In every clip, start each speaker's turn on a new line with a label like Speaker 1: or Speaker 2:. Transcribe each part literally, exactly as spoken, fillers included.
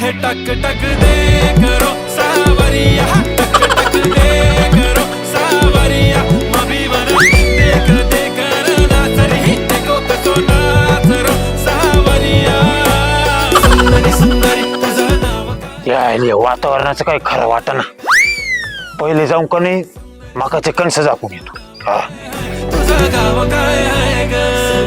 Speaker 1: हे टक टक दे करो सावरिया, टक टक दे करो सावरिया, मभी बन देख देख नाचरी देखो कसो नाचरो सावरिया, सुंदरी सुंदरी तुझं नाव
Speaker 2: या वातावरणाचं काही खरं वाटना. पहिले जाऊन का नाही मकाचे कणस झाकून येतो. हा
Speaker 1: तुझं गाव काय आहे ग.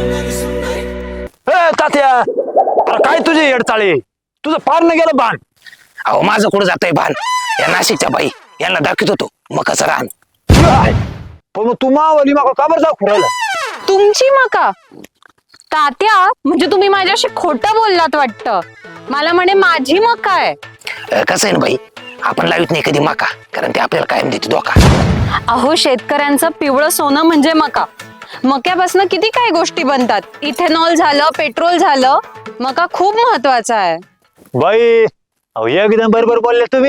Speaker 2: ए तात्या, अरे काय तुझे येडचाळे, तुझं पार न गेलं बाण.
Speaker 3: अहो माझं कुठं जातंय भान, या नाशिकच्या बाई यांना दाखवत होतो मकाचं रान.
Speaker 2: काय? पण मग तू मावली मका का बरं दाखवू राहिला?
Speaker 4: तुमची मका तात्या, म्हणजे तुम्ही माझ्याशी खोटं बोललात वाटतं. मला म्हणे माझी मका आहे.
Speaker 3: अं, कसं आहे ना बाई, आपण लावित नाही कधी मका, कारण ते आपल्याला कायम देते धोका.
Speaker 4: अहो शेतकऱ्यांचं पिवळं सोनं म्हणजे मका. मक्यापासून किती काही गोष्टी बनतात. इथेनॉल झालं, पेट्रोल झालं. मका खूप महत्वाचा आहे.
Speaker 2: बाई अहो एकदम बरोबर बोलले तुम्ही.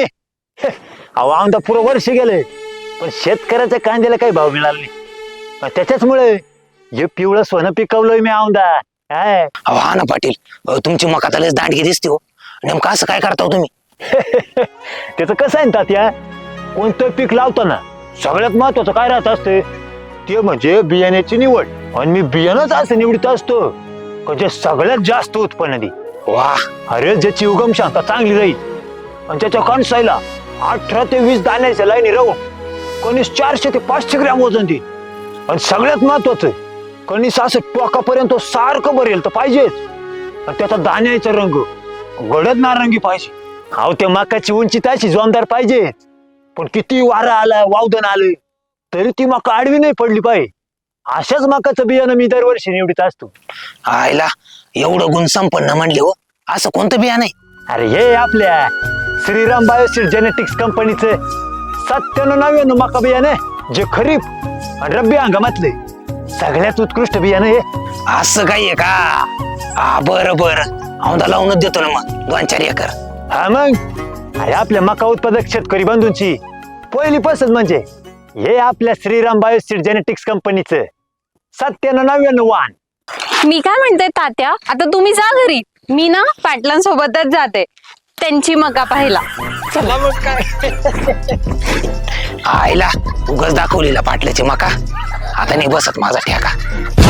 Speaker 2: अहो आमदा पुरं वर्ष गेले पण शेतकऱ्याच्या कांद्याला काही भाव मिळाला नाही. अन त्याच्याचमुळे हे पिवळं सोनं पिकवलंय मी आमदा. काय
Speaker 3: अहो हा ना पाटील, अहो, तुमची मका तर लयच दांडगी दिसते हो. नेमकं असं काय करता हो तुम्ही?
Speaker 2: त्याचं कसं आहे ना तात्या, कोणतं पीक लावताना सगळ्यात महत्वाचं काय राहत असते ते म्हणजे बियाण्याची निवड. आणि मी बियाणंच असं निवडत असतो का जे सगळ्यात जास्त उत्पन्न दे.
Speaker 3: वा,
Speaker 2: अरे ज्याची उगम क्षमता चांगली राहील आणि त्याच्या कणसाईला अठरा ते वीस दाण्याच्या लाईनी राहून कणीस चारशे ते पाचशे ग्रॅम वजन देईल. आणि सगळ्यात महत्वाचं कणीस असं टोकापर्यंत सारखं भरेल तर पाहिजेच. आणि त्याचा दाण्याचा रंग गडद नारंगी पाहिजे. अहो त्या मकाची उंची त्याची जोमदार पाहिजे. पण किती वारा आला वावदन आलं तरी ती मका आडवी नाही पडली पाहिजे. अशाच मकाचं बियाणं मी दरवर्षी निवडीत असतो.
Speaker 3: आयला एवढं गुण संपन्न म्हणले हो. असं कोणतं बियाणं आहे?
Speaker 2: अरे हे आपल्या श्रीराम बायोसीड जेनेटिक्स कंपनीचं सत्त्याण्णव नव्याण्णव मका बियाणं जे खरीप आणि रब्बी हंगामातले सगळ्यात उत्कृष्ट बियाणं हे.
Speaker 3: असं काही आहे का? हा बरं बरं, औंधा लावूनच देतो ना मग दोन चार एकर.
Speaker 2: हा मग अरे आपल्या मका उत्पादक शेतकरी बंधूंची पहिली पसंत म्हणजे हे आपल्या श्रीराम बायोसीड जेनेटिक्स कंपनीचं सत्त्याण्णव नव्याण्णव वाण.
Speaker 4: मी काय म्हणते तात्या, आता तुम्ही जा घरी. मी ना पाटलांसोबतच जाते त्यांची मका पाहायला.
Speaker 3: चला मग काय. आईला उगाच दाखवलेला पाटल्याची मका, आता नाही बसत माझा ठेका.